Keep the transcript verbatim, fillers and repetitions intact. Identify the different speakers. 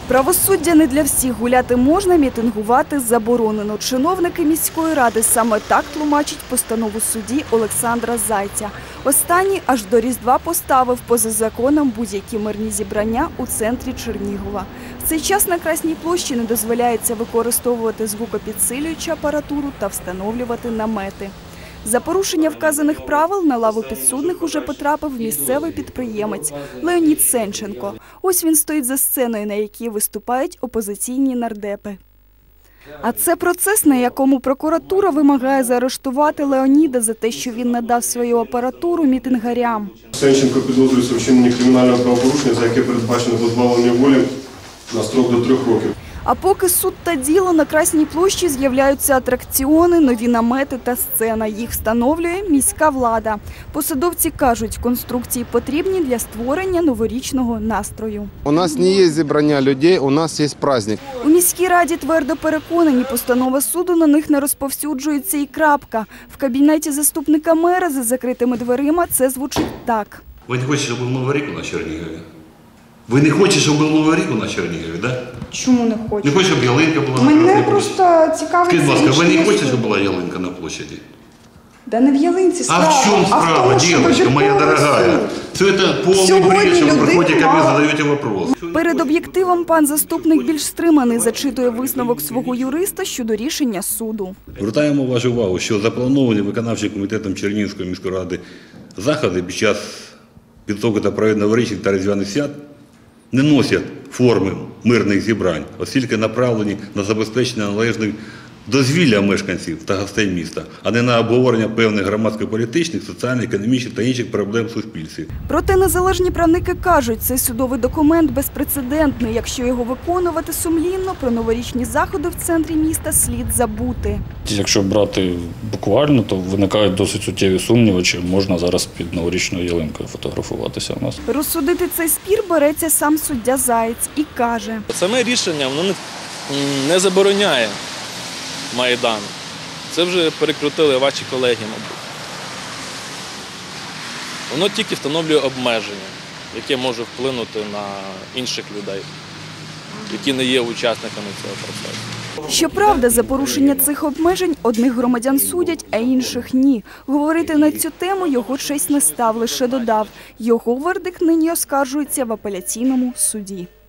Speaker 1: Правосуддя не для всіх. Гуляти можна, мітингувати заборонено. Чиновники міської ради саме так тлумачать постанову судді Олександра Зайця. Останній аж до Різдва поставив поза законом будь-які мирні зібрання у центрі Чернігова. В цей час на Красній площі не дозволяється використовувати звукопідсилюючу апаратуру та встановлювати намети. За порушення вказаних правил на лаву підсудних уже потрапив місцевий підприємець Леонід Сенченко. Ось він стоїть за сценою, на якій виступають опозиційні нардепи. А це процес, на якому прокуратура вимагає заарештувати Леоніда за те, що він надав свою апаратуру мітингарям.
Speaker 2: Сенченко підозрюється у вчиненні кримінального правопорушення, за яке передбачено позбавлення волі на строк до трьох років.
Speaker 1: А поки суд та діло, на Красній площі з'являються атракціони, нові намети та сцена. Їх встановлює міська влада. Посадовці кажуть, конструкції потрібні для створення новорічного настрою.
Speaker 3: У нас не є зібрання людей, у нас є праздник.
Speaker 1: У міській раді твердо переконані, постанова суду на них не розповсюджується і крапка. В кабінеті заступника мера за закритими дверима це звучить так.
Speaker 4: Ви не хочете, щоб був Новий рік на Чернігові? Ви не хочете, щоб був Новий рік на Чернігові, так?
Speaker 5: Чому не хочу?
Speaker 4: Не хочете, щоб ялинка була на
Speaker 5: Мене
Speaker 4: Красній
Speaker 5: просто
Speaker 4: площі?
Speaker 5: цікавить...
Speaker 4: Скажіть, будь ласка, ви не хочете, щоб була ялинка на площаді?
Speaker 5: Да не в ялинці справа.
Speaker 4: А в чому справа, дівчинка моя дорогая? Все це повний бред, що ви приходите ко мне, задаєте вопрос.
Speaker 1: Перед об'єктивом пан заступник більш стриманий, зачитує висновок свого юриста щодо рішення суду.
Speaker 4: Звертаємо вашу увагу, що заплановані виконавчим комітетом Чернігівської міської ради заходи під час підготовки та проведення новорічних та різдвяних свят не носять форми мирних зібрань, оскільки направлені на забезпечення належних дозвілля мешканців та гостей міста, а не на обговорення певних громадсько-політичних, соціально-економічних та інших проблем в суспільстві.
Speaker 1: Проте незалежні правники кажуть, цей судовий документ безпрецедентний. Якщо його виконувати сумлінно, про новорічні заходи в центрі міста слід забути.
Speaker 6: Якщо брати буквально, то виникають досить суттєві сумніви, чи можна зараз під новорічною ялинкою фотографуватися у нас.
Speaker 1: Розсудити цей спір береться сам суддя Заєць і каже.
Speaker 7: Саме рішення воно не забороняє Майдан. Це вже перекрутили ваші колеги, мабуть. Воно тільки встановлює обмеження, яке може вплинути на інших людей, які не є учасниками цього процесу.
Speaker 1: Щоправда, за порушення цих обмежень одних громадян судять, а інших – ні. Говорити на цю тему його честь не став, лише додав. Його вердикт нині оскаржується в апеляційному суді.